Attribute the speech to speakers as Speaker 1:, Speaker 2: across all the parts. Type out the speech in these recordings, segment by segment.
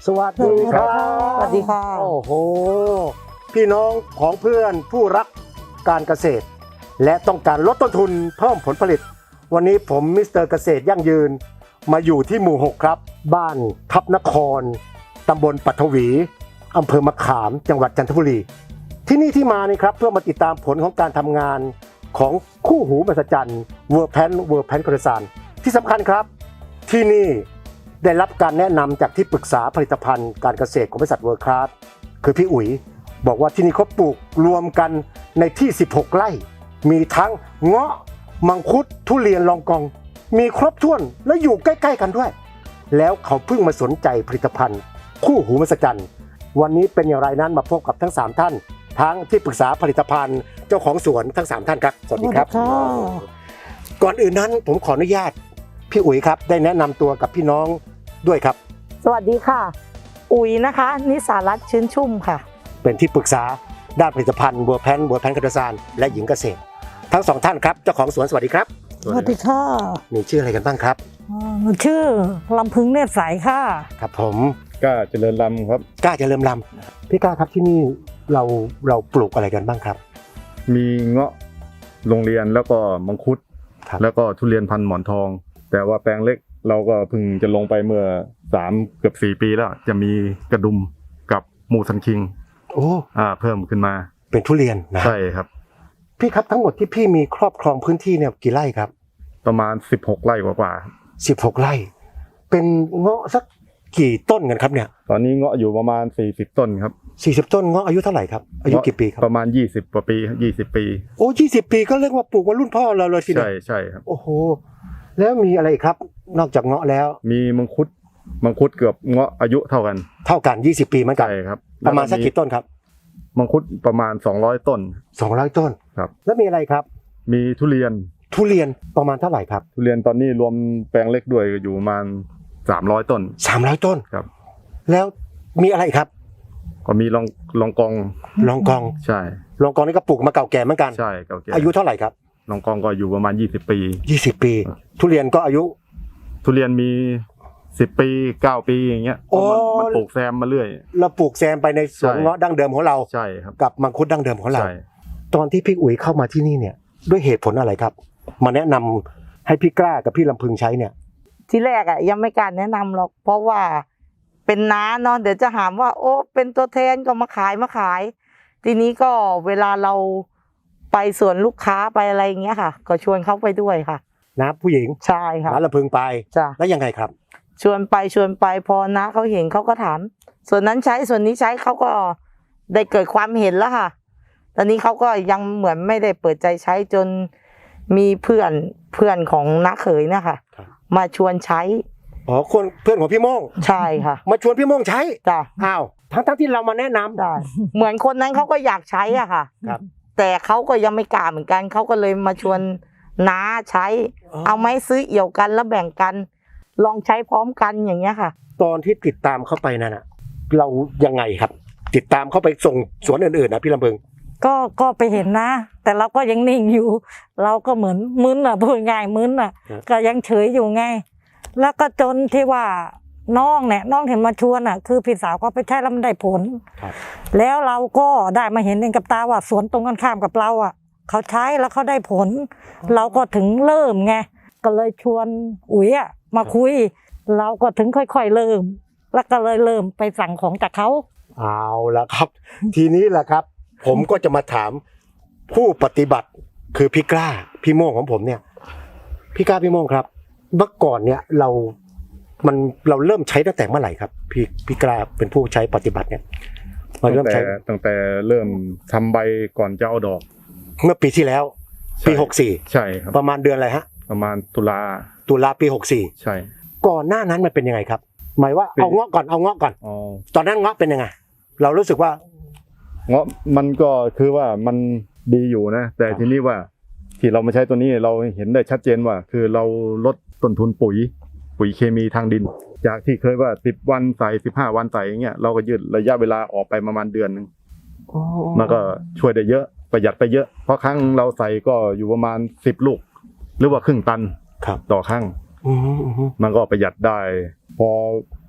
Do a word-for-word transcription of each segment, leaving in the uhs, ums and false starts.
Speaker 1: สวัสดีครับ
Speaker 2: สวัสดีค่ะ
Speaker 1: โอ้โหพี่น้องของเพื่อนผู้รักการเกษตรและต้องการลดต้นทุนเพิ่มผลผลิตวันนี้ผมมิสเตอร์เกษตรยั่งยืนมาอยู่ที่หมู่หกครับบ้านทับนครตำบลปัทวีอำเภอมะขามจังหวัดจันทบุรีที่นี่ที่มานี่ครับเพื่อมาติดตามผลของการทำงานของคู่หูมหัศจรรย์เวอร์แพนเวอร์แพนกระสานที่สำคัญครับที่นี่ได้รับการแนะนำจากที่ปรึกษาผลิตภัณฑ์การเกษตรของบริษัทเวิร์คคลาสคือพี่อุ๋ยบอกว่าที่นี่เขาปลูกรวมกันในที่สิบหกไร่มีทั้งเงาะมังคุดทุเรียนลองกองมีครบถ้วนและอยู่ใกล้ๆกันด้วยแล้วเขาเพิ่งมาสนใจผลิตภัณฑ์คู่หูมหัศจรรย์วันนี้เป็นอย่างไรนั้นมาพบกับทั้งสามท่านทั้งที่ปรึกษาผลิตภัณฑ์เจ้าของสวนทั้งสามท่านครับสวัสดีครับก่อนอื่นนั้นผมขออนุญาตพี่อุ๋ยครับได้แนะนำตัวกับพี่น้องด้วยครับ
Speaker 2: สวัสดีค่ะอุ๋ยนะคะนิสารัตน์ชื้นชุ่มค่ะ
Speaker 1: เป็นที่ปรึกษาด้านผลิตภัณฑ์บัวแพนบัวแพนกระสานและหญิงเกษตรทั้งสองท่านครับเจ้าของสวนสวัสดีครับ
Speaker 3: สวัสดีค่ะ
Speaker 1: มีชื่ออะไรกันบ้างครับ
Speaker 3: ชื่อลำพึงเนตรใสค่ะ
Speaker 1: ครับผม
Speaker 4: กล้าเจริญลำครับ
Speaker 1: กล้าเจริญลำพี่กล้าครับที่นี่เราเราปลูกอะไรกันบ้างครับ
Speaker 4: มีเงาะโรงเรียนแล้วก็มังคุดแล้วก็ทุเรียนพันหมอนทองแต่ว่าแปลงเล็กเราก็เพิ่งจะลงไปเมื่อสามเกือบสี่ปีแล้วจะมีกระดุมกับมูสันคิง
Speaker 1: โอ้
Speaker 4: อ่าเพิ่มขึ้นมา
Speaker 1: เป็นทุเรียนนะ
Speaker 4: ใช่ครับ
Speaker 1: พี่ครับทั้งหมดที่พี่มีครอบครองพื้นที่เนี่ยกี่ไร่ครับ
Speaker 4: ประมาณสิบหกไร่กว่า
Speaker 1: ๆสิบหกไร่เป็นเงาะสักกี่ต้นกันครับเนี่ย
Speaker 4: ตอนนี้เงาะอยู่ประมาณสี่สิบต้นครับ
Speaker 1: สี่สิบต้นเงาะอายุเท่าไหร่ครับอายุกี่ปีครับ
Speaker 4: ประมาณยี่สิบกว่าปียี่สิบปี
Speaker 1: โอ้ยี่สิบปีก็เรียกว่าปลูกมารุ่นพ่อเราเลยทีเดียว
Speaker 4: ใช่ใช่ครับ
Speaker 1: โอ้โหแล้วมีอะไรครับนอกจากเงาะแล้ว
Speaker 4: มีมังคุดมังคุดเกือบเงาะอายุเท่ากัน
Speaker 1: เท่ากันยี่สิบปีเหมือนกัน
Speaker 4: ใช่ครับ
Speaker 1: ประมาณสักกี่ต้นครับ
Speaker 4: มังคุดประมาณสองร้อยต้น
Speaker 1: สองร้อยต้น
Speaker 4: ครับ
Speaker 1: แล้วมีอะไรครับ
Speaker 4: มีทุเรียน
Speaker 1: ทุเรียนประมาณเท่าไหร่ครับ
Speaker 4: ทุเรียนตอนนี้รวมแปลงเล็กด้วยอยู่ประมาณสามร้อยต้น
Speaker 1: สามร้อยต้น
Speaker 4: ครับ
Speaker 1: แล้วมีอะไรครับ
Speaker 4: ก็มีลองลองกอง
Speaker 1: ลองกอง
Speaker 4: ใช่
Speaker 1: ลองกองนี่ก็ปลูกมาเก่าแก่เหมือนกัน
Speaker 4: ใช่เก่าแก่
Speaker 1: อายุเท่าไหร่ครับ
Speaker 4: ลองกองก็อยู่ประมาณยี่สิบปี
Speaker 1: ยี่สิบปีทุเรียนก็อายุ
Speaker 4: ทุเรียนมีสิบปีเก้าปีอย่างเงี้ยมันปลูกแซมมาเรื่อย
Speaker 1: เราปลูกแซมไปในสวนเงาะดั้งเดิมของเรา
Speaker 4: ใช่ครับ
Speaker 1: กับมังคุดดั้งเดิมของเราตอนที่พี่อุ๋ยเข้ามาที่นี่เนี่ยด้วยเหตุผลอะไรครับมาแนะนำให้พี่กล้ากับพี่ลำพึงใช้เนี่ย
Speaker 2: ทีแรกอ่ะยังไม่กล้าแนะนำหรอกเพราะว่าเป็นน้าเนาะเดี๋ยวจะหามว่าโอ้เป็นตัวแทนก็มาขายมาขายทีนี้ก็เวลาเราไปสวนลูกค้าไปอะไรอย่างเงี้ยค่ะก็ชวนเขาไปด้วยค่ะ
Speaker 1: นะผู้หญิง
Speaker 2: ใช่ค่ะ
Speaker 1: น้าลำพึงไป
Speaker 2: จ้ะ
Speaker 1: แล้วยังไงครับ
Speaker 2: ชวนไปชวนไปพอน้าเขาเห็นเขาก็ถามส่วนนั้นใช้ส่วนนี้ใช้เขาก็ได้เกิดความเห็นแล้วค่ะตอนนี้เขาก็ยังเหมือนไม่ได้เปิดใจใช้จนมีเพื่อนเพื่อนของน้าเขยเนี่ยค่ะมาชวนใช้
Speaker 1: อ๋อคนเพื่อนของพี่โม่ง
Speaker 2: ใช่ค่ะ
Speaker 1: มาชวนพี่โม่งใช้
Speaker 2: จ้ะ
Speaker 1: อ้าวทั้งทั้งที่เรามาแนะนำ
Speaker 2: ได้เหมือนคนนั้นเขาก็อยากใช้อ่ะค่ะครับแต่เขาก็ยังไม่กล้าเหมือนกันเขาก็เลยมาชวนน้าใช้เอาไม้ซื้อเอี่ยวกันแล้วแบ่งกันลองใช้พร้อมกันอย่างเงี้ยค่ะ
Speaker 1: ตอนที่ติดตามเข้าไปนั่นน่ะเรายังไงครับติดตามเข้าไปส่งสวนอื่นๆนะพี่ลำพึง
Speaker 3: ก็ก็ไปเห็นนะแต่เราก็ยังนิ่งอยู่เราก็เหมือนมึนอ่ะพูดง่ายมึนอ่ะก็ยังเฉยอยู่ไงแล้วก็จนที่ว่าน้องเนี่ยน้องเห็นมาชวนอ่ะคือพี่สาวก็ไปใช้แล้วมันได้ผลแล้วเราก็ได้มาเห็นเองกับตาว่าสวนตรงกันข้ามกับเราอ่ะเขาใช้แล้วเขาได้ผลเราก็ถึงเริ่มไงก็เลยชวนอุ๋ยอ่ะมาคุยเราก็ถึงค่อยๆเริ่มแล้วก็เลยเริ่มไปสั่งของจากเขา
Speaker 1: เอาละครับ ทีนี้แหละครับผมก็จะมาถามผู้ปฏิบัติคือพี่กล้าพี่โม่งของผมเนี่ยพี่กล้าพี่โม่งครับเมื่อก่อนเนี่ยเรามันเราเริ่มใช้ตั้งแต่เมื่อไหร่ครับพี่พี่กล้าเป็นผู้ใช้ปฏิบัติเนี่ย
Speaker 4: มาเริ่มใช้ตั้งแต่เริ่มทำใบก่อนจะเอาดอก
Speaker 1: เมื่อปีที่แล้วปีหกสี่
Speaker 4: ใช่ครับ
Speaker 1: ประมาณเดือนอะไรฮะ
Speaker 4: ประมาณตุลา
Speaker 1: ตุลาปีหกสี่
Speaker 4: ใช่
Speaker 1: ก่อนหน้านั้นมันเป็นยังไงครับหมายว่าเอาเงาะก่อนเอาเงาะก่อนตอนนั้นเงาะเป็นยังไงเรารู้สึกว่า
Speaker 4: เงาะมันก็คือว่ามันดีอยู่นะแต่ทีนี้ว่าที่เรามาใช้ตัวนี้เราเห็นได้ชัดเจนว่าคือเราลดต้นทุนปุ๋ยปุ๋ยเคมีทางดินจากที่เคยว่าสิบวันใส่สิบห้าวันใส่อย่างเงี้ยเราก็ยืดระยะเวลาออกไปประมาณเดือนนึงมันก็ช่วยได้เยอะประหยัดไปเยอะเพราะครั้งเราใส่ก็อยู่ประมาณสิบลูกหรือว่าครึ่งตันต่อครั้งมันก็ประหยัดได้พอ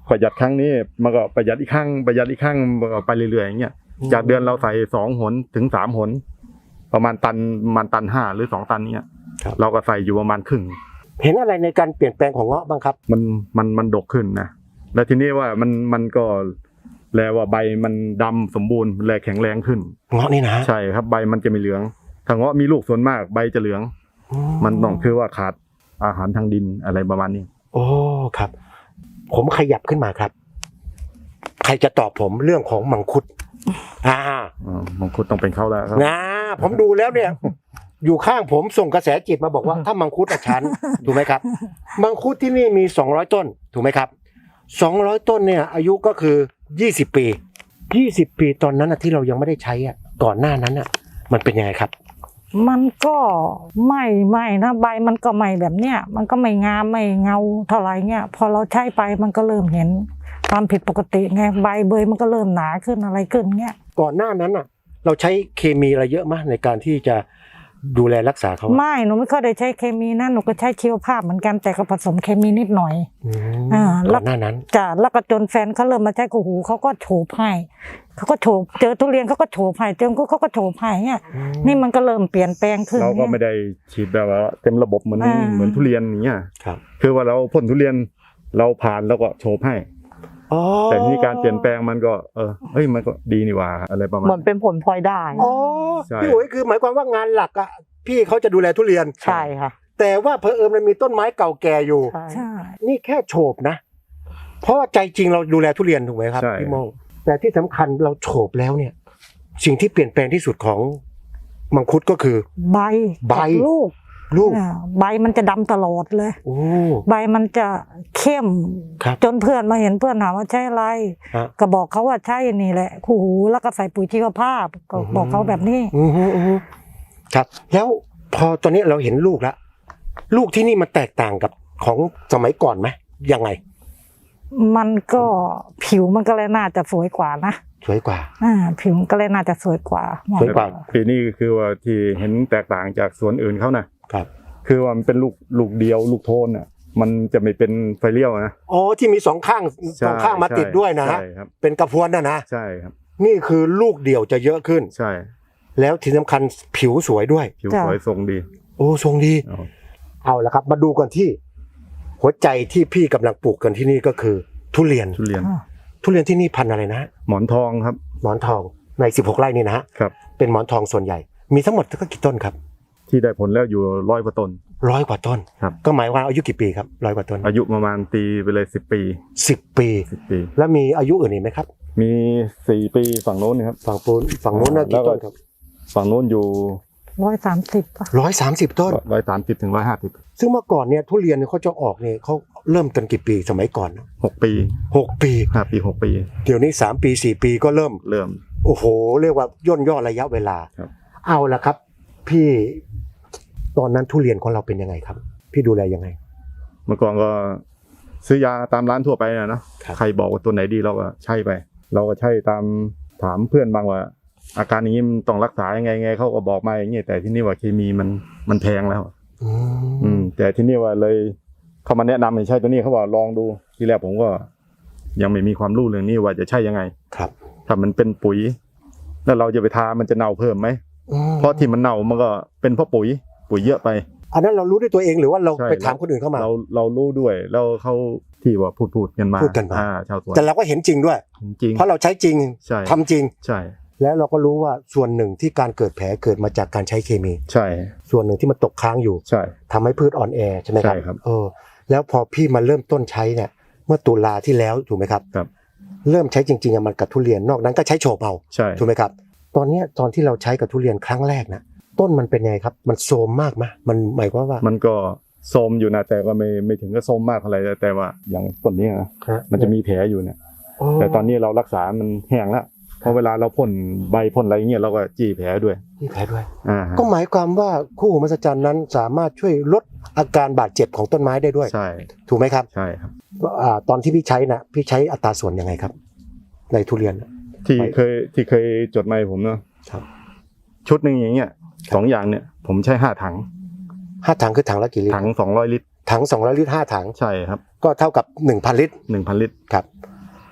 Speaker 4: ประหยัดครั้งนี้มันก็ประหยัดอีกครั้งประหยัดอีกครั้งมันก็ไปเรื่อยๆอย่างเงี้ยจากเดือนเราใส่สองหนถึงสามหนประมาณตันประมาณตันห้าหรือสองตันเนี้ยเราก็ใส่อยู่ประมาณครึ่ง
Speaker 1: เห็นอะไรในการเปลี่ยนแปลงของเงาะบ้างครับ
Speaker 4: มันมันมันดกขึ้นนะแล้วทีนี้ว่ามันมันก็แลว่าใบมันดำสมบูรณ์แลแข็งแรงขึ้น
Speaker 1: เงาะนี่นะ
Speaker 4: ใช่ครับใบมันจะไม่เหลืองถ้าเงาะมีลูกส่วนมากใบจะเหลือง มันต้องคือว่าขาดอาหารทางดินอะไรประมาณนี้
Speaker 1: โอ้ครับ ผมขยับขึ้นมาครับ ใครจะตอบผมเรื่องของมังคุดอ่า
Speaker 4: อ่ามังคุดต้องเป็นเขาแล้วครับ
Speaker 1: นะผมดูแล้วเนี่ย อยู่ข้างผมส่งกระแสจิตมาบอกว่าถ้ามังคุดอาชันถูกไหมครับ มังคุดที่นี่มีสองร้อยต้นถูกไหมครับสองร้อยต้นเนี่ย อายุก็คือยี่สิบปียี่สิบปีตอนนั้นนะที่เรายังไม่ได้ใช้อ่ะก่อนหน้านั้นอ่ะ มันเป็นยังไงครับ
Speaker 3: มันก็ไม่ไม่นะใบมันก็ไม่แบบเนี้ยมันก็ไม่งามไม่เงาเท่าไหร่เงี้ยพอเราใช้ไปมันก็เริ่มเห็นความผิดปกติไงใบเบยมันก็เริ่มหนาขึ้นอะไรขึ้นเงี้ย
Speaker 1: ก่อนหน้านั้นอ่ะ เราใช้เคมีอะไรเยอะมากในการที่จะดูแลรักษาเขา
Speaker 3: ไม่หนูไม่ค่อยได้ใช้เคมีนะหนูก็ใช้ชีวภาพเหมือนกันแต่ก็ผสมเคมีนิดหน่อย
Speaker 1: อืม
Speaker 3: อ่าแล้
Speaker 1: ก่
Speaker 3: ว
Speaker 1: อนหน้านั้น
Speaker 3: จ้ะแล้วก็จนแฟนเขาเริ่มมาใช้กูหูเขาก็โฉบให้เขาก็โฉบเจอทุเรียนเขาก็โฉบให้เจอกูเขาก็โฉบให้เนี่ยนี่มันก็เริ่มเปลี่ยนแปลงขึ้น
Speaker 4: เราก็
Speaker 3: นี่ย
Speaker 4: ไม่ได้ฉีดแบบว่าเต็มระบบเหมือน
Speaker 3: อ่า
Speaker 4: เหมือนทุเรียนอย่างเงี้ย
Speaker 1: ครับ
Speaker 4: คือว่าเราพ่นทุเรียนเราผ่านแล้วก็โชว์ให้
Speaker 1: อ๋อ
Speaker 4: แต่นี่การเปลี่ยนแปลงมันก็เออเฮ้ยมันก็ดีนี่หว่าอะไรประมาณ
Speaker 2: เหมือนเป็นผลพลอยได้
Speaker 1: อ๋อ
Speaker 4: ใช่
Speaker 1: พี่อุ๋ยคือหมายความว่างานหลักอ่ะพี่เขาจะดูแลทุเรียน
Speaker 2: ใช่ค่ะ
Speaker 1: แต่ว่าเพอเอิญมันมีต้นไม้เก่าแก่อยู่
Speaker 2: ใช่
Speaker 3: ใช่
Speaker 1: นี่แค่โฉบนะ เพราะว่าใจจริงเราดูแลทุเรียนถูกไหมครับ
Speaker 4: ใช่
Speaker 1: พี่โมงแต่ที่สำคัญเราโฉบแล้วเนี่ย สิ่งที่เปลี่ยนแปลงที่สุดของมังคุดก็คือ
Speaker 3: ใบ
Speaker 1: ใบ
Speaker 3: กับลูก
Speaker 1: ลูก
Speaker 3: อ่าใบมันจะดำตลอดเลย
Speaker 1: โอ้
Speaker 3: ใบมันจะเข้ม
Speaker 1: ครับ
Speaker 3: จนเพื่อนมาเห็นเพื่อนถามว่าใช่อะไร
Speaker 1: ฮะ
Speaker 3: ก็บอกเขาว่าใช่นี่แหละคู่หูแล้วก็ใส่ปุ๋ยชีวภาพก็
Speaker 1: อือฮึ
Speaker 3: บอกเขาแบบนี้
Speaker 1: อือฮึอือฮึครับ แล้วพอตอนนี้เราเห็นลูกแล้วลูกที่นี่มันแตกต่างกับของสมัยก่อนไหมยังไง
Speaker 3: มันก็ผิวมันก็เลยน่าจะสวยกว่านะ
Speaker 1: สวยกว่า
Speaker 3: อ่าผิวมันก็เลยน่าจะสวยกว่า
Speaker 1: สวยกว่า
Speaker 4: ปีนี้คือว่าที่เห็นแตกต่างจากสวนอื่นเขานะครับ คือว่ามันเป็นลูกลูกเดียวลูกโทนอ่ะมันจะไม่เป็นไฟเลี้ยวนะ
Speaker 1: อ๋อที่มีสองข้างสองข้างมาติดด้วยนะฮะ
Speaker 4: ใช่ครับ
Speaker 1: เป็นกระพวนนะนะ
Speaker 4: ใช่ครับ
Speaker 1: นี่คือลูกเดี่ยวจะเยอะขึ้น
Speaker 4: ใช่
Speaker 1: แล้วที่สำคัญผิวสวยด้วย
Speaker 4: ผิวสวยทรงดี
Speaker 1: โอ้ทรงดี
Speaker 4: เอา
Speaker 1: เอาละครับ มาดูกันที่ หัวใจที่พี่กำลังปลูกกันที่นี่ก็คือทุเรียน
Speaker 4: ทุเรียน
Speaker 3: อ่า
Speaker 1: ทุเรียนที่นี่พันธุ์อะไรนะ
Speaker 4: หมอนทองครับ
Speaker 1: หมอนทองในสิบหกไร่นี่นะฮะ
Speaker 4: ครับ
Speaker 1: เป็นหมอนทองส่วนใหญ่ มีทั้งหมดก็กี่ต้นครับ
Speaker 4: ที่ได้ผลแล้วอยู่ร้อยกว่าต้น
Speaker 1: ร้อยกว่าต้น
Speaker 4: ครับ
Speaker 1: ก็หมายว่าอายุกี่ปีครับร้อยกว่าต้น
Speaker 4: อายุประมาณตีไปเลยสิบปี
Speaker 1: สิบปี
Speaker 4: สิบปี
Speaker 1: แล้วมีอายุอื่นอีกไหมครับ
Speaker 4: มีสี่ปีฝั่งโน้นนะครับ
Speaker 1: ฝั่งปูนฝั่งโน้นน่ะ
Speaker 4: แล้
Speaker 1: กี่
Speaker 4: วก็
Speaker 1: ต้นครับ
Speaker 4: ฝั่งโน้นอยู่
Speaker 3: ร้อยสามสิบป่ะ
Speaker 1: ร้อยสามสิบต้น
Speaker 4: ร้อยสามสิบถึงร้อยห้าสิบ
Speaker 1: ซึ่งเมื่อก่อนเนี่ยทุเรียนเนี่ยเขาจะออกเนี่ยเขาเริ่มกันกี่ปีสมัยก่อน
Speaker 4: หกปี
Speaker 1: หกปี
Speaker 4: ห้าปีหกปี
Speaker 1: เดี๋ยวนี้สามปีสี่ปีก็เริ่ม
Speaker 4: เริ่ม
Speaker 1: โอ้โห เรียกว่าย่นย่อระยะเวลา
Speaker 4: ครับ
Speaker 1: เอาละครับ พี่ตอนนั้นทุเรียนของเราเป็นยังไงครับ พี่ดูแลยังไง
Speaker 4: เมื่อก่อนก็ซื้อยาตามร้านทั่วไปนะเนาะ
Speaker 1: ครับ
Speaker 4: ใครบอกว่าตัวไหนดีเราก็ใช่ไป เราก็ใช่ตามถามเพื่อนบางว่า อาการอย่างนี้มันต้องรักษายังไงไงเขาก็บอกมาอย่างเงี้ยแต่ที่นี่ว่าเคมีมันมันแพงแล้ว
Speaker 1: อื
Speaker 4: อื
Speaker 1: ม
Speaker 4: มแต่ที่นี่ว่าเลยเขามาแนะนำให้ใช่ตัวนี้เขาบอกลองดูทีแรกผมก็ ยังไม่มีความรู้เรื่องนี้ว่าจะใช่ยังไง
Speaker 1: ครับ
Speaker 4: ถ้ามันเป็นปุ๋ย แล้วเราจะไปทามันจะเน่าเพิ่มไหม
Speaker 1: อืม
Speaker 4: เพราะที่มันเน่ามันก็เป็นเพราะปุ๋ย ปุ๋ยเยอะไป
Speaker 1: อันนั้นเรารู้ด้วยตัวเองหรือว่าเรา
Speaker 4: ใช่
Speaker 1: ไปถามคนอื่นเข้ามา
Speaker 4: เราเรารู้ด้วยแล้วเขาที่ว่าพูดพูดกันมา
Speaker 1: พูดกันมา
Speaker 4: อ่ชาวสวน
Speaker 1: แต่เราก็เห็นจริงด้วย
Speaker 4: จริง
Speaker 1: เพราะเราใช้จริง
Speaker 4: ใช่
Speaker 1: ทำจริง
Speaker 4: ใช่
Speaker 1: แล้วเราก็รู้ว่าส่วนหนึ่งที่การเกิดแผลเกิดมาจากการใช้เคมี
Speaker 4: ใช่
Speaker 1: ส่วนหนึ่งที่มันตกค้างอยู่
Speaker 4: ใช่
Speaker 1: ทำให้พืชอ่อนแอใช่ไหมครับ
Speaker 4: ใช่ครับ
Speaker 1: เออ แล้วพอพี่มาเริ่มต้นใช้เนี่ย เมื่อตุลาที่แล้วถูกไหมครับ
Speaker 4: ครับ
Speaker 1: เริ่มใช้จริงๆอะมันกับทุเรียนนอกนั้นก็ใช้โฉบเอา
Speaker 4: ใช่
Speaker 1: ถูกไหมครับ ตอนเนี้ยตอนที่เราใช้กับทุเรียนครั้งแรกนะต้นมันเป็นไงครับ มันโทรมมากไหมมันหมายความว่า
Speaker 4: มันก็โทรมอยู่นะแต่ก็ไม่ไม่ถึงกับโทรมมากเท่าไหร่แต่ว่าอย่างต้นนี้นะ
Speaker 1: ฮะ
Speaker 4: มันจะมีแผลอยู่เนี่ย แต่ตอนนี้เรารักษามันแห้งแล้วเพราะเวลาเราพ่นใบพ่นอะไรเงี้ยเราก็จี้แผลด้วย
Speaker 1: มีแผลด้วย
Speaker 4: อ่า
Speaker 1: ก็หมายความว่าคู่หูมหัศจรรย์นั้นสามารถช่วยลดอาการบาดเจ็บของต้นไม้ได้ด้วย
Speaker 4: ใช่
Speaker 1: ถูกไหมครับ
Speaker 4: ใช่ครับ
Speaker 1: อ่าตอนที่พี่ใช้นะพี่ใช้อัตราส่วนยังไงครับ ในทุเรียน
Speaker 4: ที่
Speaker 1: ไป
Speaker 4: เคยที่เคยจดมาให้ผมเนาะ
Speaker 1: ครับ
Speaker 4: ชุดหนึ่งอย่างเงี้ยสองอย่างเนี่ยผมใช้ห้าถัง
Speaker 1: ห้าถังคือถังละกี่ลิตร
Speaker 4: ถังสองร้อยลิตร
Speaker 1: ถังสองร้อยลิตรห้าถัง
Speaker 4: ใช่ครับ
Speaker 1: ก็เท่ากับหนึ่งพันลิตร
Speaker 4: หนึ่งพันลิตร
Speaker 1: ครับ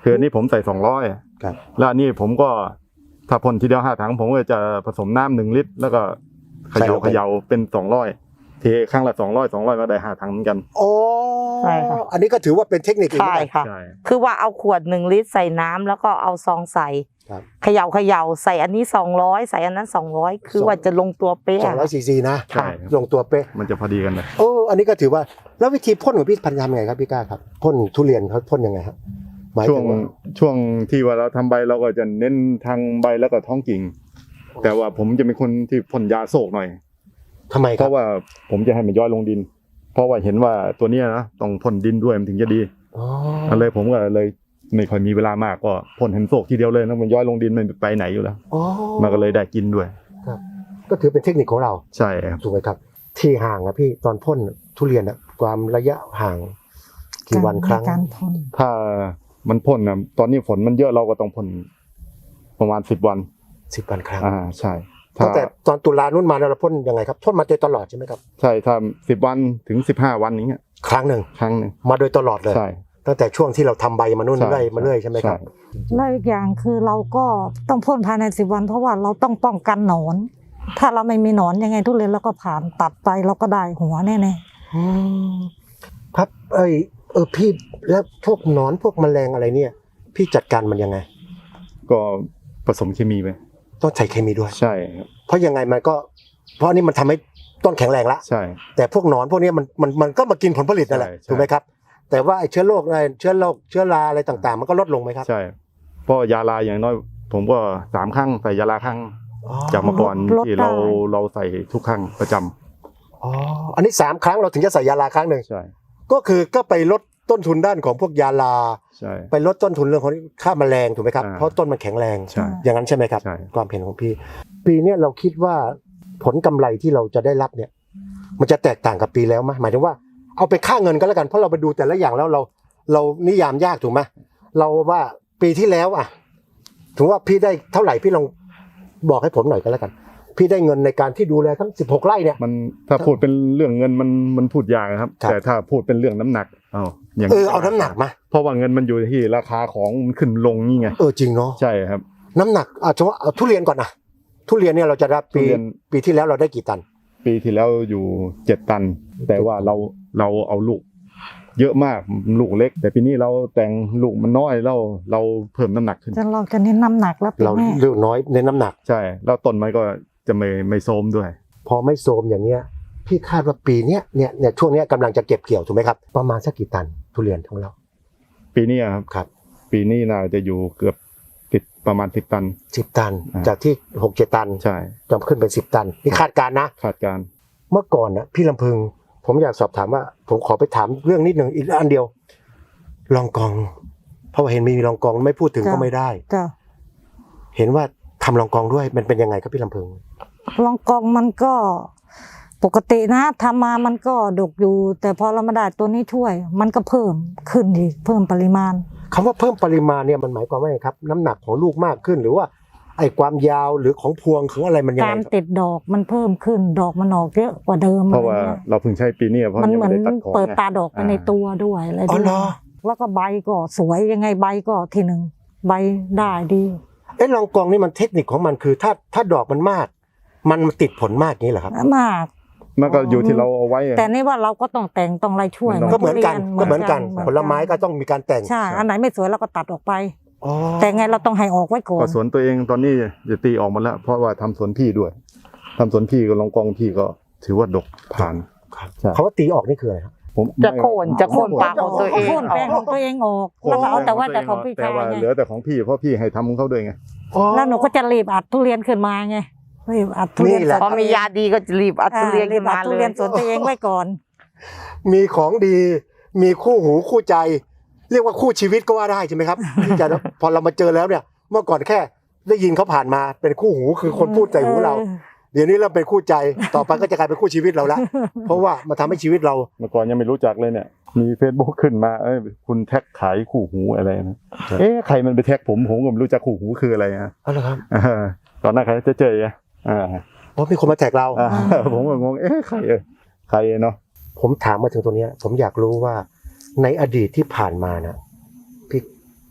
Speaker 4: คืออันนี้ผมใส่สองร้อย
Speaker 1: ครับ
Speaker 4: แล้วอันนี้ผมก็ถ้าพ่นทีเดียวห้าถังผมก็จะผสมน้ำหนึ่งลิตร แล้วก็เขย่าเขย่าเป็นสองร้อยเทครั้งละสองร้อยสองร้อยก็ได้ห้าถังเหมือนกัน
Speaker 1: โอ้
Speaker 2: ใช่ค่ะ
Speaker 1: อันนี้ก็ถือว่าเป็นเทคนิคอีก
Speaker 2: ใช่
Speaker 1: เหมือนกัน
Speaker 2: ค่ะ
Speaker 4: ใช่
Speaker 2: คือว่าเอาขวดหนึ่งลิตรใส่น้ำแล้วก็เอาซองใส่
Speaker 1: ครับ
Speaker 2: เขย่าเขย่าใส่อันนี้สองร้อยใส่อันนั้นสองร้อยคือว่าจะลงตัวเป๊ะ
Speaker 1: สองร้อยซีซีนะ
Speaker 4: ใช่ครับ
Speaker 1: ลงตัวเป๊ะ
Speaker 4: มันจะพอดีกันเลย
Speaker 1: โอ้อันนี้ก็ถือว่าแล้ววิธีพ่นของพี่พันธุ์ทำยังไงครับพี่ก้าครับพ่นทุเรียนเขาพ่นยังไงครับหมาย
Speaker 4: ช่ว
Speaker 1: ถึ
Speaker 4: ง
Speaker 1: งว่า
Speaker 4: ช่วงที่ว่าเราทำใบเราก็จะเน้นทางใบแล้วก็ท้องกิ่ง แต่ว่าผมจะเป็นคนที่พ่นยาโศกหน่อย
Speaker 1: ทำไม
Speaker 4: เพ
Speaker 1: ครับ
Speaker 4: ราะว่าผมจะให้มันย่อยลงดิน เพราะว่าเห็นว่าตัวเนี้ยนะต้องพ่นดินด้วยมันถึงจะดี
Speaker 1: อ๋อ
Speaker 4: ก็เลยผมก็เลยไม่ค่อยมีเวลามากก็พ่นเห็นโศกทีเดียวเลยนะมันย่อยลงดินมันไปไหนอยู่แล้ว
Speaker 1: อ๋อ
Speaker 4: มันก็เลยได้กินด้วย
Speaker 1: ก็ถือเป็นเทคนิคของเรา
Speaker 4: ใช่ครับ
Speaker 1: ถูกไหมครับ ที่ห่างอะพี่ตอนพ่นทุเรียนอะความระยะห่างกี่วันครั้ง
Speaker 3: การพ่น
Speaker 4: ถ้ามันพ่นนะตอนนี้ฝนมันเยอะเราก็ต้องพ่นประมาณสิบวัน
Speaker 1: สิบวันครั้ง
Speaker 4: อ่าใช่ถ้า
Speaker 1: ตั้งแต่ตอนตุลานุ่นมาเราพ่นยังไงครับพ่นมาโดยตลอดใช่ไหมครับ
Speaker 4: ใช่ถ้าสิบวันถึงสิบห้าวันนี้ย
Speaker 1: ครั้งหนึ่ง
Speaker 4: ครั้งหนึ่ง
Speaker 1: มาโดยตลอดเลย
Speaker 4: ใช่
Speaker 1: ตั้งแต่ช่วงที่เราทำใบมานุ่น
Speaker 4: ใช่
Speaker 1: เรื่อยมาเรื่อยใช่ไหมครับ
Speaker 4: ใช่
Speaker 3: แล้วอีกอย่างคือเราก็ต้องพ่นภายในสิบวันเพราะว่าเราต้องป้องกันหนอน ถ้าเราไม่มีหนอนยังไงทุเรียนเราก็ผ่านตัดไปเราก็ได้หัวแน่
Speaker 1: อืมครับเอ้ยเออพี่แล้วพวกหนอนพวกแมลงอะไรเนี่ย พี่จัดการมันยังไง
Speaker 4: ก็ผสมเคมีไป
Speaker 1: ต้องใช้เคมีด้วย
Speaker 4: ใช่ครับ
Speaker 1: เพราะยังไงมันก็เพราะอันนี้มันทำให้ต้นแข็งแรงละ
Speaker 4: ใช่
Speaker 1: แต่พวกหนอนพวกนี้มันมันมันก็มากินผลผลิตนั่นแหละ
Speaker 4: ใช่ใช่
Speaker 1: ถูกไหมครับ แต่ว่าไอ้เชื้อโรคอะไรเชื้อโรคเชื้อราอะไรต่างๆ มันก็ลดลงไหมครับ
Speaker 4: ใช่เพราะยาลาอย่างน้อย ผมก็สามครั้งใส่ยาลาครั้ง
Speaker 1: อ๋อ
Speaker 4: จากเมื่อก่อนที่เราเราใส่ทุกครั้งประจำ
Speaker 1: อ๋ออันนี้สามครั้งเราถึงจะใส่ยาลาครั้งหนึ่ง
Speaker 4: ใช่
Speaker 1: ก็คือก็ไปลดต้นทุนด้านของพวกยาลา
Speaker 4: ใช่
Speaker 1: ไปลดต้นทุนเรื่องของค่าแมลงถูกไหมครับ
Speaker 4: อ่า
Speaker 1: เพราะต้นมันแข็งแรง
Speaker 4: ใช่
Speaker 1: อย่างนั้นใช่ไหมครับ
Speaker 4: ใช่
Speaker 1: ความเห็นของพี่ ปีเนี้ยเราคิดว่าผลกำไรที่เราจะได้รับเนี่ย มันจะแตกต่างกับปีแล้วไหมหมายถึงว่าเอาไปค่าเงินก็แล้วกันเพราะเราไปดูแต่ละอย่างแล้วเรา เรานิยามยากถูกไหมเราว่าปีที่แล้วอ่ะถึงว่าพี่ได้เท่าไหร่พี่ลองบอกให้ผมหน่อยก็แล้วกัน พี่ได้เงินในการที่ดูแลทั้งสิบหกไร่เนี่ย
Speaker 4: มันถ้าพูดเป็นเรื่องเงินมันมันพูดยากครับ
Speaker 1: ครับ
Speaker 4: แต่ถ้าพูดเป็นเรื่องน้ำหนักเอาอย่าง
Speaker 1: เออเอาน้ำหนักมา
Speaker 4: เพราะว่าเงินมันอยู่ที่ราคาของมันขึ้นลงนี่ไง
Speaker 1: เออจริงเนาะ
Speaker 4: ใช่ครับ
Speaker 1: น้ำหนักอาจจะว่าเอาทุเรียนก่อนนะทุเรียนเนี่ยเราจะรับปี
Speaker 4: ทุเรียน
Speaker 1: ปีที่แล้วเราได้กี่ตัน
Speaker 4: ปีที่แล้วอยู่เจ็ดตัน แต่ว่าเราเราเอาลูก เยอะมากลูกเล็ก แต่ปีนี้เราแต่งลูกมันน้อยเราเราเพิ่มน้ำหนักขึ้น
Speaker 3: ๆจะเราจะเน้นน้ำหนักแล้วปี
Speaker 1: เรา
Speaker 3: แม่
Speaker 1: เลือกน้อยในน้ำหนัก
Speaker 4: ใช่แล้วต้นไม้ก็จะไม่ไม่โทรมด้วย
Speaker 1: พอไม่โทรมอย่างเนี้ยพี่คาดว่าปีเนี้ยเนี่ยเนี่ยช่วงเนี้ยกำลังจะเก็บเกี่ยวถูกไหมครับประมาณสักกี่ตันทุเรียนของเรา
Speaker 4: ปีนี้ครับ
Speaker 1: ครับ
Speaker 4: ปีนี้น่าจะอยู่เกือบติดประมาณสิบตัน
Speaker 1: สิบตัน
Speaker 4: อ่า
Speaker 1: จากที่หกเจ็ดตัน
Speaker 4: ใช่
Speaker 1: จะขึ้นเป็นสิบตันนี่คาดการณ์นะ
Speaker 4: คาดการณ์
Speaker 1: เมื่อก่อนนะพี่ลำพึง ผมอยากสอบถามว่า ผมขอไปถามเรื่องนิดหนึ่งอีกอันเดียวลองกอง เพราะว่าเห็นมีลองกองไม่พูดถึงก็ไม่ได้
Speaker 3: จ้ะ
Speaker 1: เห็นว่าทำลองกองด้วยมันเป็นยังไงครับพี่ลำพึง
Speaker 3: ลองกองมันก็ปกตินะทำมามันก็ดกอยู่ แต่พอเรามาได้ตัวนี้ช่วย มันก็เพิ่มขึ้นอีกเพิ่มปริมาณ
Speaker 1: คำว่าเพิ่มปริมาณเนี่ยมันหมายความว่าไงครับ น้ำหนักของลูกมากขึ้น หรือว่าไอ้ความยาวหรือของพวงของอะไรมันยัง
Speaker 3: กา
Speaker 1: ไง
Speaker 3: ร
Speaker 1: ครับ
Speaker 3: ติดดอกมันเพิ่มขึ้นดอกมันออกเยอะกว่าเดิม
Speaker 4: เพราะว่า
Speaker 3: อไงี้ย
Speaker 4: เราเพิ่งใช้ปีนี้เพราะ
Speaker 3: มัน
Speaker 4: ยัง
Speaker 3: เหมื
Speaker 4: ไม่
Speaker 3: อน
Speaker 4: ได้ตัดของ
Speaker 3: เปิด
Speaker 4: ไง
Speaker 3: ตาดอกไปในตัวด้วยอะไร
Speaker 1: อ๋
Speaker 3: ด้
Speaker 1: อ
Speaker 3: วย
Speaker 1: เหรอ
Speaker 3: แล้วก็ใบก็สวยยังไงใบก็ทีหนึ่งใบได้ดี
Speaker 1: เอ๊ะลองกองนี่มันเทคนิคของมันคือถ้าถ้าดอกมันมาก มันติดผลมากนี้เหรอครับ
Speaker 3: มาก
Speaker 4: มันก็อยู่ที่เราเอาไว้อะ
Speaker 3: แต่นี่ว่าเราก็ต้องแต่งต้องอะไรช่วย
Speaker 1: ก็เหมือนกัน
Speaker 3: ทุรีย
Speaker 1: ก็เหมือนกัน ผลไม้ก็ต้องมีการแต่ง
Speaker 3: ใช่อันไหนไม่สวยเราก็ตัดออกไป
Speaker 1: อ๋อ
Speaker 3: แต่ไงเราต้องให้ออกไว้ก่อ
Speaker 4: ก็
Speaker 3: น
Speaker 4: สวนตัวเองตอนนี้จะตีออกมาแล้ว เพราะว่าทำสวนพี่ด้วยทำสวนพี่กับลองกองพี่ก็ถือว่าดกผ่าน
Speaker 1: ครับ
Speaker 4: ใช่
Speaker 1: เขาว่าตีออกนี่คืออะไรครับ
Speaker 4: ผม
Speaker 2: จะโค่นจะโค่นปากของตัวเอง
Speaker 3: โค่นแปลงของตัวเองออกแล้วก็เอาแต่ว่าแต่ของพี่
Speaker 4: แต่
Speaker 3: ชาย
Speaker 4: ว่า
Speaker 3: ไง
Speaker 4: เหลือแต่ของพี่เพราะพี่ให้ทำของเขาด้วยไง
Speaker 3: แล้วหนูก็จะรีบอัดทุเรียนขึ้นมาไงรีบอัดทุเรียน
Speaker 1: นี่แหละ
Speaker 2: พอมียาดีก็จะรีบอัดทุเรียน
Speaker 3: รี
Speaker 2: ขึ้
Speaker 3: บ
Speaker 2: น
Speaker 3: อั
Speaker 2: มา
Speaker 3: ดทุ
Speaker 2: เล
Speaker 3: เรีย
Speaker 2: ย
Speaker 3: นสวนตัวเองไว้ก่อน
Speaker 1: มีของดี มีคู่หูคู่ใจ เรียกว่าคู่ชีวิตก็ว่าได้ใช่ไหมครับ ที่จะพอเรามาเจอแล้วเนี่ย เมื่อก่อนแค่ได้ยินเขาผ่านมาเป็นคู่หูคือคนพูดใจหูเรา เดี๋ยวนี้เราเป็นคู่ใจ ต่อไปก็จะกลายเป็นคู่ชีวิตเราละ เพราะว่ามาทำให้ชีวิตเรา
Speaker 4: เมื่อก่อนยังไม่รู้จักเลยเนี่ย มี Facebook ขึ้นมาเอ้ยคุณแท็กขายคู่หูอะไรนะเอ๊ะใครมันไปแท็กผมผมก็ไม่รู้จักคู่หูคืออะไรนะ
Speaker 1: เอาละครับ
Speaker 4: อ่าตอนนั้นใครจะเจออ่ะอ่า
Speaker 1: เพราะมีคนมาแท็กเรา
Speaker 4: อ่าผมก็งงเอ๊ะใครเออใครเนาะ
Speaker 1: ผมถามมาถึงตรงเนี้ย ผมอยากรู้ว่าในอดีตที่ผ่านมานะพี่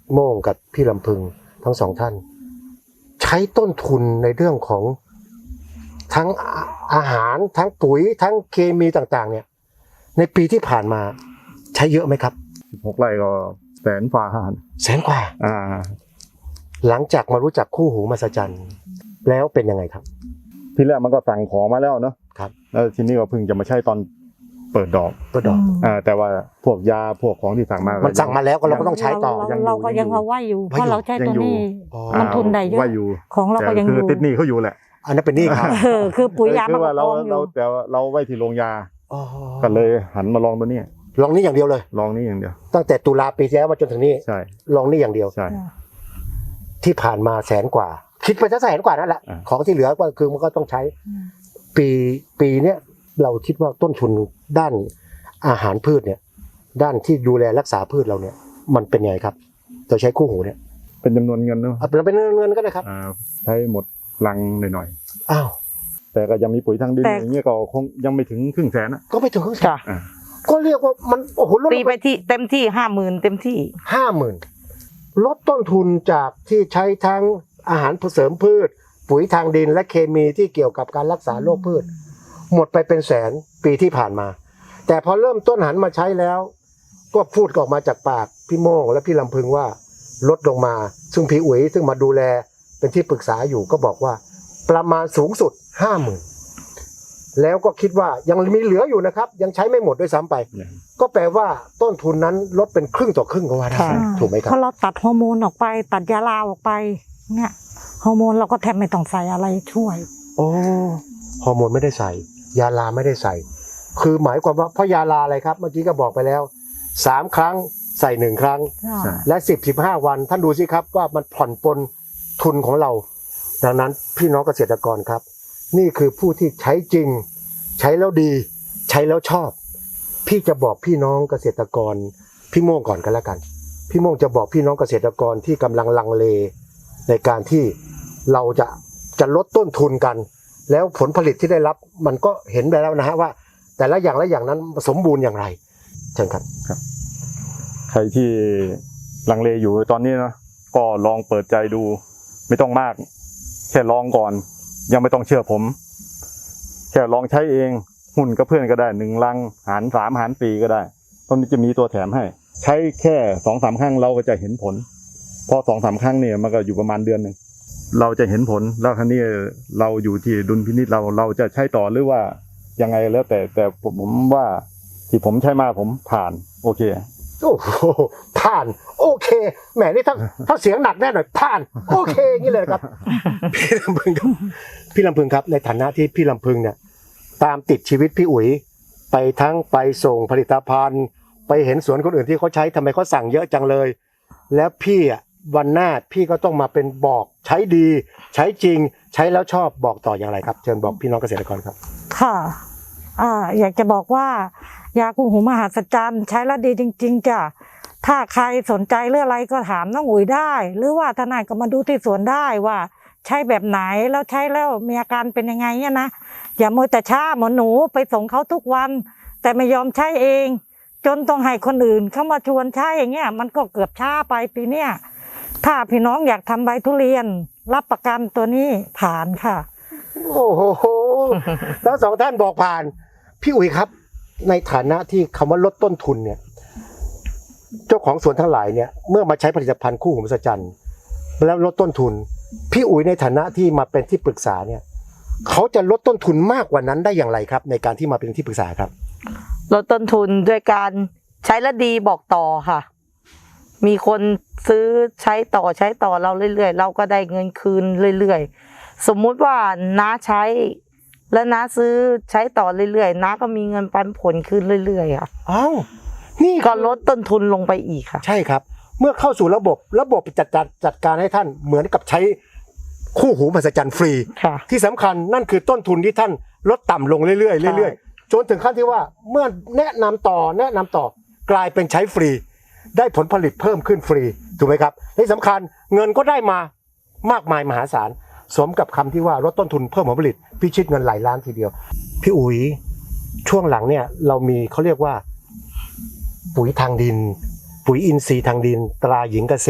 Speaker 1: โม่งกับพี่ลำพึงทั้งสองท่าน ใช้ต้นทุนในเรื่องของทั้งอาอาหารทั้งปุ๋ยทั้งเคมีต่างๆ เนี่ย ในปีที่ผ่านมาใช้เยอะไหมครับ
Speaker 4: สิบหกไร่ก็แสนฝ่าหาร
Speaker 1: แสนกว่า
Speaker 4: อ่า
Speaker 1: หลังจากมารู้จักคู่หูมหัศจรรย์แล้วเป็นยังไงครับ
Speaker 4: ที่แรกมันก็สั่งของมาแล้วเนาะ
Speaker 1: ครับ
Speaker 4: แล้วทีนี้ก็เพิ่งจะมาใช้ตอนเปิดดอก
Speaker 1: ตัวดอก
Speaker 4: อ่าแต่ว่าพวกยาพวกของที่สั่งมา
Speaker 1: มั
Speaker 4: มัน
Speaker 1: สั่งมาแล้วก็เราก็ต้องใช้ต่อ
Speaker 3: เราเราก็ยังเอาไว้อยู่เพราะเราใช้ตัวนี้
Speaker 1: อ๋อ
Speaker 3: มันทุนได้เยอะ
Speaker 4: ว่าอยู่
Speaker 3: ของเราก็ยัง
Speaker 4: แต่
Speaker 3: อ
Speaker 4: คือยู่ ติดหนี้เขาอยู่แหละ
Speaker 1: อันนั้นเป็นหนี้ครับ
Speaker 3: เออคือปุ๋ยยา
Speaker 4: คื
Speaker 3: มัน
Speaker 4: อว่า
Speaker 3: ก็
Speaker 4: เรา
Speaker 3: กองอ
Speaker 4: เรา
Speaker 3: ยู่
Speaker 4: แต่ว่าเราไว้ที่โรงยา
Speaker 1: อ๋อ
Speaker 4: ก็เลยหันมาลองตัวนี้
Speaker 1: ลองนี่อย่างเดียวเลย
Speaker 4: ลองนี่อย่างเดียว
Speaker 1: ตั้งแต่ตุลาปีที่แล้วมาจนถึงนี้
Speaker 4: ใช่
Speaker 1: ลองนี่อย่างเดียว
Speaker 4: ใช่
Speaker 1: ที่ผ่านมาแสนกว่า คิดไปซะแสนกว่านั่นแหละ
Speaker 4: อ่า
Speaker 1: ของที่เหลือก็คือมันก็ต้องใช้ ปีปีเนี้ยเราคิดว่าต้นทุนด้านอาหารพืชเนี่ย ด้านที่ดูแลรักษาพืชเราเนี่ย มันเป็นไงครับเราใช้คู่หูเนี่ย
Speaker 4: เป็นจำนวนเงินเนาะ
Speaker 1: เอาเป็นเงินก็ได้ครับ
Speaker 4: อ่าใช้หมดลังหน่อย
Speaker 1: อ้าว
Speaker 4: ๆแต่ก็ยังมีปุ๋ยทางดิน
Speaker 3: แต่
Speaker 4: อย่างเงี้ยก็คงยังไม่ถึงครึ่งแสนอะ
Speaker 1: ก็ไม่ถึงครึ่งแสน
Speaker 2: ค่ะ
Speaker 4: อ่า
Speaker 1: ก็เรียกว่ามันโอ้โหลด
Speaker 2: ตีไปที่เต็มที่ห้าหมื่นเต็มที่
Speaker 1: ห้าหมื่นลดต้นทุนจากที่ใช้ทั้งอาหารเสริมพืช ปุ๋ยทางดินและเคมีที่เกี่ยวกับการรักษาโรคพืช หมดไปเป็นแสนปีที่ผ่านมา แต่พอเริ่มต้นหันมาใช้แล้ว ก็พูดออกมาจากปากพี่โม่งและพี่ลำพึงว่าลดลงมา ซึ่งพี่อุ๋ยซึ่งมาดูแลเป็นที่ปรึกษาอยู่ก็บอกว่า ประมาณสูงสุดห้าหมื่นแล้วก็คิดว่ายังมีเหลืออยู่นะครับ ยังใช้ไม่หมดด้วยซ้ำไป ก็แปลว่าต้นทุนนั้นลดเป็นครึ่งต่อครึ่งก็ว่าได้
Speaker 2: ค่ะ
Speaker 1: ถูกไหมครั
Speaker 3: เพ
Speaker 1: บ
Speaker 3: ราะเราตัดฮอร์โมนออกไป ตัดยาลาออกไป เนี่ยฮอร์โมนเราก็แทบไม่ต้องใส่อะไรช่วย
Speaker 1: โอ้ฮอร์โมนไม่ได้ใส่ ยาลาไม่ได้ใส่ คือหมายความว่าเพราะยาลาอะไรครับ เมื่อกี้ก็บอกไปแล้วสามครั้งใส่หนึ่งครั้ง
Speaker 4: ใช่
Speaker 1: และสิบสิบห้าวัน ท่านดูสิครับว่ามันผ่อนปลนทุนของเรา ดังนั้นพี่น้องเกษตรกรครับ นี่คือผู้ที่ใช้จริง ใช้แล้วดี ใช้แล้วชอบ พี่จะบอกพี่น้องเกษตรกร พี่โม่งก่อนกันแล้วกัน พี่โม่งจะบอกพี่น้องเกษตรกรที่กำลังลังเล ในการที่เราจะจะลดต้นทุนกัน แล้วผลผลิตที่ได้รับมันก็เห็นไปแล้วนะฮะว่า แต่ละอย่างละอย่างนั้นสมบูรณ์อย่างไรเชิญครับ
Speaker 4: ใครที่ลังเลอยู่ตอนนี้นะก็ลองเปิดใจดู ไม่ต้องมาก แค่ลองก่อน ยังไม่ต้องเชื่อผม แค่ลองใช้เองหุ้นกับเพื่อนก็ได้หนึ่งลังหารสามหารสี่ก็ได้ตอนนี้จะมีตัวแถมให้ ใช้แค่สองสามครั้งเราก็จะเห็นผลพอสองสามครั้งเนี่ยมันก็อยู่ประมาณเดือนหนึ่งเราจะเห็นผลแล้วครั้นี้เราอยู่ที่ดุลพินิจเราเราจะใช้ต่อหรือว่ายังไงแล้วแต่แต่ผมว่าที่ผมใช้มาผมผ่านโอเค
Speaker 1: โอ้โหผ่านโอเคแหมนี่ถ้าถ้าเสียงหนักแน่หน่อยผ่านโอเคอย่างนี้เลยครับ พี่ลำพึงครับพี่ลำพึงครับในฐานะที่พี่ลำพึงเนี่ยตามติดชีวิตพี่อุ๋ยไปทั้งไปส่งผลิตภัณฑ์ ไปเห็นสวนคนอื่นที่เขาใช้ทำไมเขาสั่งเยอะจังเลย แล้วพี่อ่ะวันหน้าพี่ก็ต้องมาเป็นบอกใช้ดี ใช้จริงใช้แล้วชอบบอกต่ออย่างไรครับเชิญบอกพี่น้องเกษตรกรครับ
Speaker 3: ค่ะอ่าอยากจะบอกว่ายาคู่หูมหัศจรรย์ใช้แล้วดีจริง ๆจ้ะถ้าใครสนใจเรื่องอะไรก็ถามน้องอุ๋ยได้ หรือว่าทนายก็มาดูที่สวนได้ว่า ใช้แบบไหนแล้วใช้แล้วมีอาการเป็นยังไงเนี่ยนะอย่ามัวแต่ช้าเหมือนหนูไปส่งเขาทุกวัน แต่ไม่ยอมใช้เอง จนต้องให้คนอื่นเข้ามาชวนใช้อย่างเงี้ยมันก็เกือบช้าไปปีเนี้ยถ้าพี่น้องอยากทำใบทุเรียน รับประกันตัวนี้ผ่านค่ะ
Speaker 1: โอ้โหทั้งสองท่านบอกผ่าน พี่อุ๋ยครับ ในฐานะที่คำว่าลดต้นทุนเนี่ย เจ้าของสวนทั้งหลายเนี่ย เมื่อมาใช้ผลิตภัณฑ์คู่หูมหัศจรรย์แล้วลดต้นทุน พี่อุ๋ยในฐานะที่มาเป็นที่ปรึกษาเนี่ย เขาจะลดต้นทุนมากกว่านั้นได้อย่างไรครับ ในการที่มาเป็นที่ปรึกษาครับ
Speaker 2: ลดต้นทุนด้วยการใช้แล้วดีบอกต่อค่ะ มีคนซื้อใช้ต่อใช้ต่อเราเรื่อยๆเราก็ได้เงินคืนเรื่อยๆสมมุติว่าน้าใช้ แล้วน้าซื้อใช้ต่อเรื่อยๆน้าก็มีเงินปันผลคืนเรื่อยๆค่ะ
Speaker 1: อ้าวนี่
Speaker 2: ก็ลดต้นทุนลงไปอีกค่ะ
Speaker 1: ใช่ครับ เมื่อเข้าสู่ระบบระบบจัดจัดจัดการให้ท่านเหมือนกับใช้คู่หูมหัศจรรย์ฟรี
Speaker 2: ค่ะ
Speaker 1: ที่สำคัญนั่นคือต้นทุนที่ท่านลดต่ำลงเรื่อยๆเรื่อยๆจนถึงขั้นที่ว่าเมื่อแนะนำต่อแนะนำต่อกลายเป็นใช้ฟรี ได้ผลผลิตเพิ่มขึ้นฟรีถูกไหมครับที่สำคัญเงินก็ได้มามากมายมหาศาลสมกับคำที่ว่าลดต้นทุนเพิ่มผลผลิตพิชิตเงินหลายล้านทีเดียวพี่อุ๋ยช่วงหลังเนี่ยเรามีเขาเรียกว่า ปุ๋ยทางดิน ปุ๋ยอินทรีย์ทางดินตราหญิงเกษตร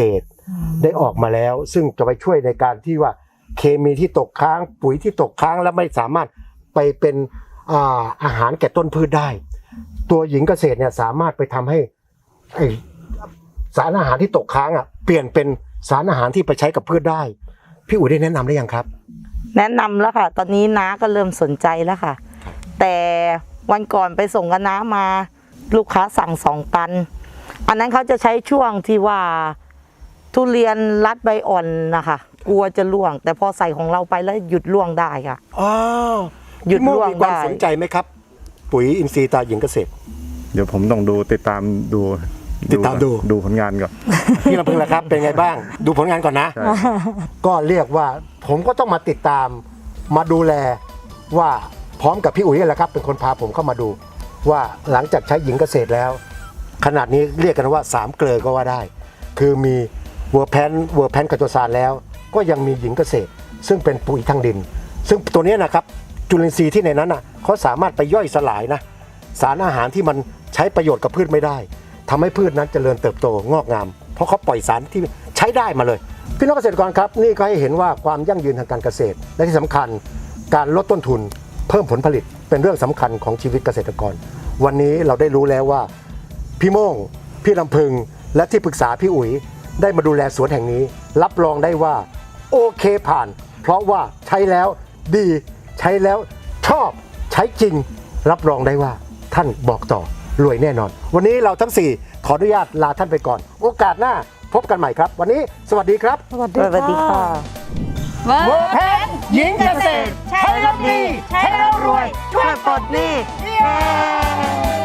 Speaker 1: ได้ออกมาแล้ว ซึ่งจะไปช่วยในการที่ว่าเคมีที่ตกค้างปุ๋ยที่ตกค้างแล้วไม่สามารถไปเป็นอ่าอาหารแก่ต้นพืชได้ ตัวหญิงเกษตรเนี่ยสามารถไปทำให้ไอ้สารอาหารที่ตกค้างอ่ะเปลี่ยนเป็นสารอาหารที่ไปใช้กับพืชได้พี่อุ๋ยได้แนะนำได้ยังครับ
Speaker 2: แนะนำแล้วค่ะ ตอนนี้น้าก็เริ่มสนใจแล้วค่ะ แต่วันก่อนไปส่งกับน้ามาลูกค้าสั่งสองตัน อันนั้นเขาจะใช้ช่วงที่ว่าทุเรียนรัดใบอ่อนนะคะกลัวจะร่วง แต่พอใส่ของเราไปแล้วหยุดร่วงได้ค่ะ
Speaker 1: อ๋อ
Speaker 2: หยุด
Speaker 1: พี่โม่
Speaker 2: ร่วง
Speaker 1: มีความ
Speaker 2: ได้
Speaker 1: สนใจไหมครับ ปุ๋ยอินทรีย์ตราหญิงเกษตร
Speaker 4: เดี๋ยวผมต้องดูติดตามดู
Speaker 1: ติดตามดู
Speaker 4: ดูผลงานก่อน
Speaker 1: พี่ลำพึงล่ะครับเป็นไงบ้าง ดูผลงานก่อนนะ
Speaker 4: ใช่
Speaker 1: ก็เรียกว่าผมก็ต้องมาติดตามมาดูแลว่าพร้อมกับพี่อุ๋ยนี่แหละครับ เป็นคนพาผมเข้ามาดู ว่าหลังจากใช้หญิงเกษตรแล้ว ขนาดนี้เรียกกันว่าสามเกลือก็ว่าได้ คือมีเวอร์แพนเวอร์แพนกัจจสารแล้ว ก็ยังมีหญิงเกษตร ซึ่งเป็นปุ๋ยทางดิน ซึ่งตัวนี้นะครับจุลินทรีย์ที่ในนั้นน่ะเขาสามารถไปย่อยสลายนะสารอาหารที่มันใช้ประโยชน์กับพืชไม่ได้ทำให้พืชนั้นเจริญเติบโตงอกงาม เพราะเขาปล่อยสารที่ใช้ได้มาเลย พี่น้องเกษตรกรครับนี่ก็ให้เห็นว่าความยั่งยืนทางการเกษตร และที่สำคัญการลดต้นทุน เพิ่มผลผลิตเป็นเรื่องสำคัญของชีวิตเกษตรกร วันนี้เราได้รู้แล้วว่าพี่โม่งพี่ลำพึงและที่ปรึกษาพี่อุ๋ยได้มาดูแลสวนแห่งนี้ รับรองได้ว่าโอเคผ่าน เพราะว่าใช้แล้วดีใช้แล้วชอบใช้จริง รับรองได้ว่าท่านบอกต่อรวยแน่นอน วันนี้เราทั้งสี่ขออนุญาตลาท่านไปก่อน โอกาสหน้าพบกันใหม่ครับ วันนี้สวัสดีครับ
Speaker 3: สวัส
Speaker 2: สวัสดีค่ะ
Speaker 5: เวอร์แพน
Speaker 1: หญิงเกษตร
Speaker 5: ใช้แล้วดี ใช้แล้วรวย
Speaker 2: ช่วยปลดหนี้
Speaker 5: เย้